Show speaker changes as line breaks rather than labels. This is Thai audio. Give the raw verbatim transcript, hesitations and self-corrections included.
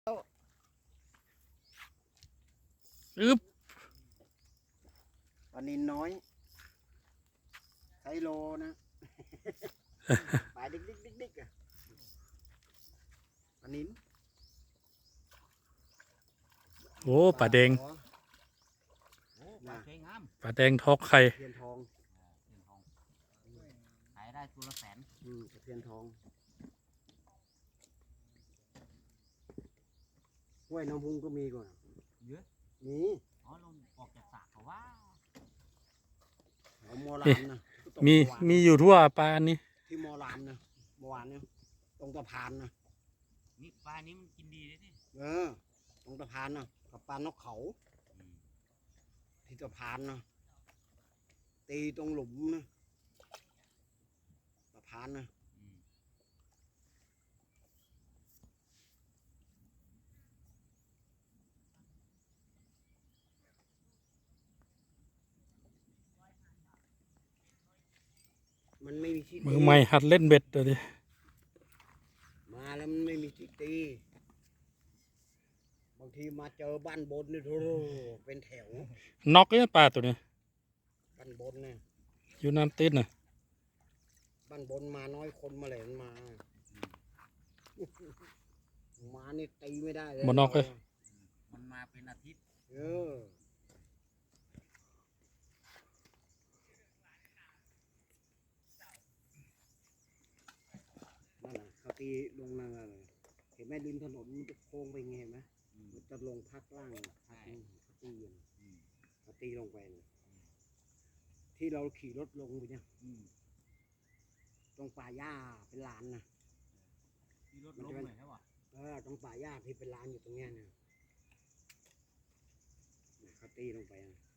อึ๊บ
ปลานินน้อยไซโลนะปลาดิ๊กดิ๊กดิ๊กดิ๊กอะปลานิน
โอ้ปลาแดง
โอ้ปลาสวยงาม
ปลาแดงทอกไข่
เทียนทอง
เทียนทองขายได้ตัวละแสน
อืมเทียนทองห้วยน้ำพุงก็มีก่อน
เยอะ
มี
อ๋อลงออกจากสระเขาว่า
แถวโมรามนะ
มีมีอยู่ทั่วปลาอันนี้
ที่โมรามนะเมื่อวานเนี่ยตรงสะพานนะ
นี่ปลานี้มันกินดีเลยนี่
เออตรงสะพานนะกับปลานกเขาที่สะพานนะตีตรงหลุมนะสะพานนะมันไม่มีที่
มือใหม่หัดเล่นเบ็ดเลยดิ
มาแล้วมันไม่มีที่ตีบางทีมาเจอบ้านบนนี่โธ่เป็นแถว
น็อกเนี่ยปลาตัวนี้
บ้านบนเนี่ย
อยู่น้ำตื้นน่ะ
บ้านบนมาน้อยคนมาเลยมันมามานี่ตีไม่ได้เลย
บ่น็อกเลย
มันมาเป็นอาทิตย์
เออนั่นน่ะเขาตีลงนั่นเลยเห็นไหมริมถนนมันจะโค้งไปไงเห็นไหมมันจะลงพักล่างพักนี่เขาตีอยู่นะเขาตีลงไปนะที่เราขี่รถลงไปเนี่ยตรงป่าหญ้าเป็นลานนะ
ที่รถล้มเลยใช่ป่ะ
เออตรงป่าหญ้าที่เป็นลานอยู่ตรงเนี้ยเนี่ยเขาตีลงไปนะ